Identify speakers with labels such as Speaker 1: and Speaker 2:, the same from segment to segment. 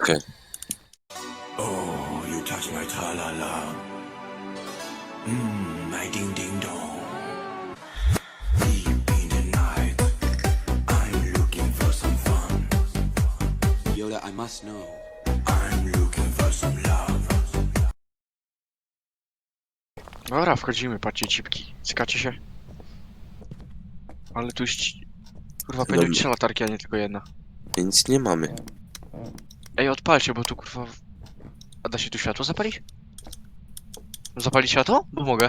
Speaker 1: Okej.
Speaker 2: Oh, you touch my tra-la-la. My ding-ding-dong. Deep in the night, I'm looking for some fun.
Speaker 3: Yoda, I must know.
Speaker 2: I'm looking for some love.
Speaker 4: Dobra, wchodzimy, patrzcie cipki. Cykacie się? Ale tu już... Kurwa, powinny być 3 latarki, a nie tylko jedna.
Speaker 1: Nic nie mamy.
Speaker 4: Ej, odpalcie, bo tu kurwa... A da się tu światło zapalić? Zapalić światło? Bo mogę.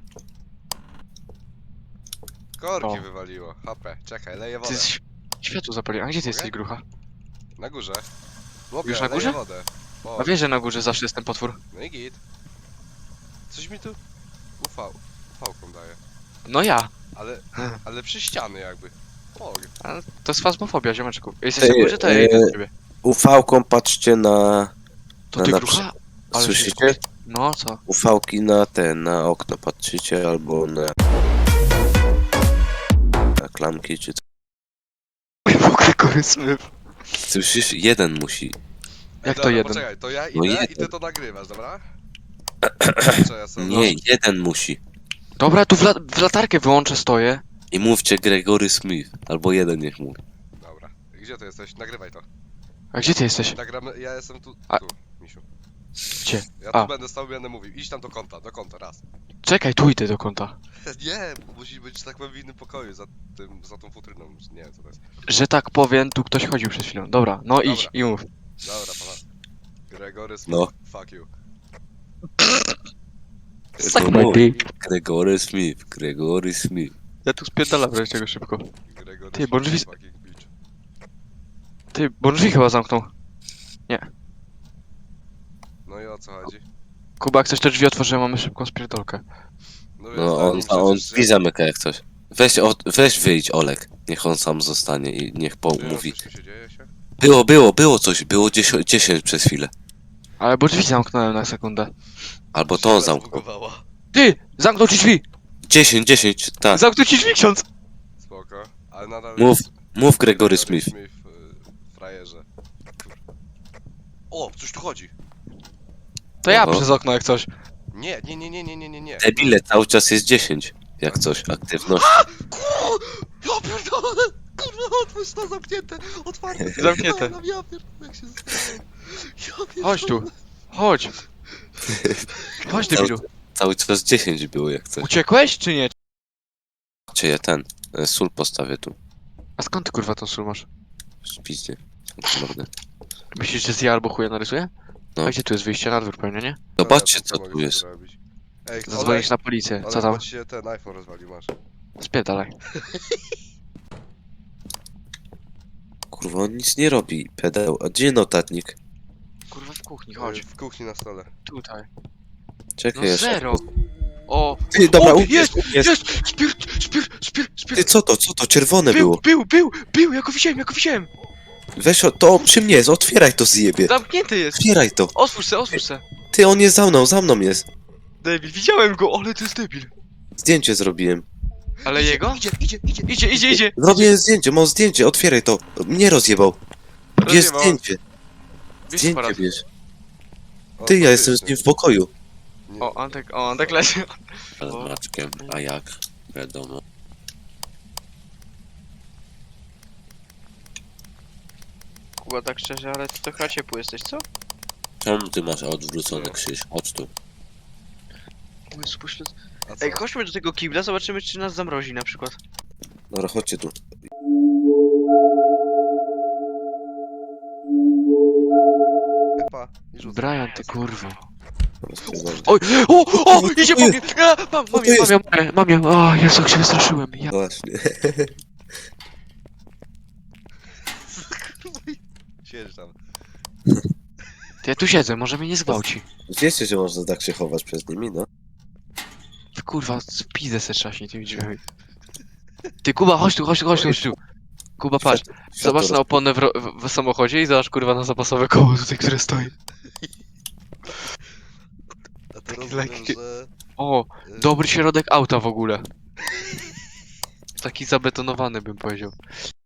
Speaker 5: Korki
Speaker 4: O.
Speaker 5: wywaliło. HP. Czekaj, leję
Speaker 4: Ty
Speaker 5: wodę.
Speaker 4: światło zapali. A gdzie ty
Speaker 5: Mogę?
Speaker 4: jesteś, grucha?
Speaker 5: Na górze. Mogę,
Speaker 4: Już na
Speaker 5: leję
Speaker 4: górze?
Speaker 5: wodę. O,
Speaker 4: A wiesz, że na górze zawsze jest ten potwór.
Speaker 5: no i git. Coś mi tu ufałką daje.
Speaker 4: No ja.
Speaker 5: Ale przy ściany jakby. Mogę.
Speaker 4: A to jest fazmofobia, ziomeczku. Jesteś na
Speaker 1: Ej,
Speaker 4: górze, to ja idę do ciebie.
Speaker 1: UV-ką patrzcie na...
Speaker 4: To
Speaker 1: no
Speaker 4: ty,
Speaker 1: na
Speaker 4: grucha? Ale
Speaker 1: Słyszycie?
Speaker 4: się... No, co?
Speaker 1: UV-ki na okno patrzycie, albo na klamki, czy co.
Speaker 4: W ogóle koryśmy.
Speaker 1: Słyszysz? Jeden musi.
Speaker 4: Jak to
Speaker 5: Dobra,
Speaker 4: jeden?
Speaker 5: Poczekaj, to ja idę
Speaker 1: No
Speaker 5: i
Speaker 1: jeden.
Speaker 5: ty to nagrywasz, dobra? Co ja sobie
Speaker 1: Nie, jeden musi.
Speaker 4: Dobra, tu w latarkę wyłączę, stoję.
Speaker 1: I mówcie Gregory Smith. Albo jeden niech mówi.
Speaker 5: Dobra. Gdzie ty jesteś? Nagrywaj to.
Speaker 4: A gdzie ty jesteś?
Speaker 5: Nagramy, ja jestem tu,
Speaker 4: A-
Speaker 5: tu, misiu.
Speaker 4: Gdzie?
Speaker 5: Ja
Speaker 4: A.
Speaker 5: tu będę stał, będę mówił. Idź tam do konta, raz.
Speaker 4: Czekaj, tu idę do kąta.
Speaker 5: Nie, musi być, tak powiem, w innym pokoju, za tą futryną, nie wiem co to jest.
Speaker 4: Że tak powiem, tu ktoś chodził przed chwilą. Dobra, no idź
Speaker 5: Dobra.
Speaker 4: i mów.
Speaker 5: Dobra, pana. Gregory Smith,
Speaker 1: No.
Speaker 5: fuck you.
Speaker 4: Suck
Speaker 1: No
Speaker 4: my
Speaker 1: mów.
Speaker 4: dick.
Speaker 1: Gregory Smith. Gregory Smith.
Speaker 4: Ja tu spierdalam wreszcie tego szybko.
Speaker 5: Gregory
Speaker 4: Ty, bo drzwi-
Speaker 5: fucking bitch.
Speaker 4: Ty, bo drzwi chyba zamknął.
Speaker 5: No i o co chodzi?
Speaker 4: Kuba, jak coś te drzwi otworzyłem, mamy szybką spierdolkę.
Speaker 5: Wiesz,
Speaker 1: No on
Speaker 5: przecież,
Speaker 1: drzwi zamyka jak coś. Weź wyjdź Olek. Niech on sam zostanie i niech mówi.
Speaker 5: Coś tu się dzieje się?
Speaker 1: Było coś. Było 10 przez chwilę.
Speaker 4: Ale bo drzwi zamknąłem na sekundę.
Speaker 1: Albo to on
Speaker 5: Się
Speaker 1: zamknął.
Speaker 5: zbugowała.
Speaker 4: Ty! Zamknął ci drzwi!
Speaker 1: 10, tak.
Speaker 4: Zamknął ci drzwi, ksiądz!
Speaker 5: Spoko, ale nadal
Speaker 1: Mów Gregory Smith.
Speaker 5: Frajerze. Kurwa. O, coś tu chodzi.
Speaker 4: To ja
Speaker 1: Oho.
Speaker 4: przez okno jak coś.
Speaker 5: Nie.
Speaker 1: Debile, cały czas jest 10. Jak coś, aktywność.
Speaker 5: Ja pierdolę! Kurwa, otwórz to zamknięte! Otwarte!
Speaker 4: Zamknięte.
Speaker 5: Ja pierdolę, jak się zastanawiam. Ja pierdolę.
Speaker 4: Chodź tu. Chodź. Chodź, debilu.
Speaker 1: Cały czas 10 było jak coś.
Speaker 4: Uciekłeś, czy nie?
Speaker 1: Czy ja sól postawię tu.
Speaker 4: A skąd ty kurwa tą sól masz?
Speaker 1: Spiźnie. Mordę.
Speaker 4: Myślisz, że z ja albo chuja narysuję?
Speaker 1: No.
Speaker 4: A gdzie tu jest wyjście na dwór pewnie, nie?
Speaker 1: Zobaczcie
Speaker 5: Co
Speaker 1: co
Speaker 5: mogę
Speaker 1: tu jest.
Speaker 5: zrobić? Ej,
Speaker 4: Zadzwonić na policję. Co tam?
Speaker 5: Ale ci się ten iPhone rozwalił, masz.
Speaker 4: Spierdalaj.
Speaker 1: Kurwa, on nic nie robi, pedał. A gdzie notatnik?
Speaker 4: Kurwa w kuchni, chodź.
Speaker 5: W kuchni na stole.
Speaker 4: Tutaj.
Speaker 1: Czekaj,
Speaker 4: No
Speaker 1: ja
Speaker 4: zero. O!
Speaker 1: Ty, dobra,
Speaker 4: O,
Speaker 1: ubierz,
Speaker 4: jest!
Speaker 1: ubierz.
Speaker 4: Jest! Spirt!
Speaker 1: Ty, co to? Czerwone było.
Speaker 4: Był! Ja go widziałem!
Speaker 1: Weź to przy mnie jest, otwieraj to zjebie.
Speaker 4: Zamknięty jest!
Speaker 1: Otwieraj to.
Speaker 4: Otwórz se!
Speaker 1: Ty, on jest za mną jest.
Speaker 4: Debil, widziałem go, ale to jest debil.
Speaker 1: Zdjęcie zrobiłem.
Speaker 4: Ale jego? Idzie!
Speaker 1: Zrobiłem zdjęcie, mam zdjęcie, otwieraj to. Mnie rozjebał. Bierz
Speaker 4: Rozjebał.
Speaker 1: zdjęcie.
Speaker 4: Bierz
Speaker 1: Zdjęcie
Speaker 4: aparat.
Speaker 1: bierz.
Speaker 5: O,
Speaker 1: Ty, ja jestem z
Speaker 5: faktycznie.
Speaker 1: nim w pokoju.
Speaker 5: Nie.
Speaker 4: O, Antek leży.
Speaker 1: Ale Maczkiem, a jak? Wiadomo.
Speaker 4: Kuba, tak szczerze, ale ty to chyba ciepły jesteś, co?
Speaker 1: Czemu ty masz odwrócony krzyż? Chodź tu.
Speaker 4: Jezu, pośled...
Speaker 5: A co?
Speaker 4: Ej, chodźmy do tego kibla, zobaczymy czy nas zamrozi na przykład.
Speaker 1: Dobra, chodźcie tu.
Speaker 5: Pa, i rzucę.
Speaker 4: Brian, ty kurwo.
Speaker 1: Rozpierdolę.
Speaker 4: Oj! O! Idzie po mnie! A,
Speaker 1: to jest?
Speaker 4: Mam ją! O, Jezu, jak się wystraszyłem. Ja...
Speaker 1: Właśnie.
Speaker 5: Siedź tam.
Speaker 4: Ty, ja tu siedzę, może mnie nie zgwałci.
Speaker 1: Wiecie, że można tak się chować przez nimi, no?
Speaker 4: Ty kurwa, spidę se trzaśnie tymi drzwiami. Ty Kuba, chodź tu. Kuba, patrz. Zobacz na oponę w samochodzie i zobacz kurwa na zapasowe koło tutaj, które stoi.
Speaker 5: A to
Speaker 4: Taki
Speaker 5: rozumiem,
Speaker 4: lekki.
Speaker 5: że...
Speaker 4: O, dobry środek auta w ogóle. Taki zabetonowany bym powiedział.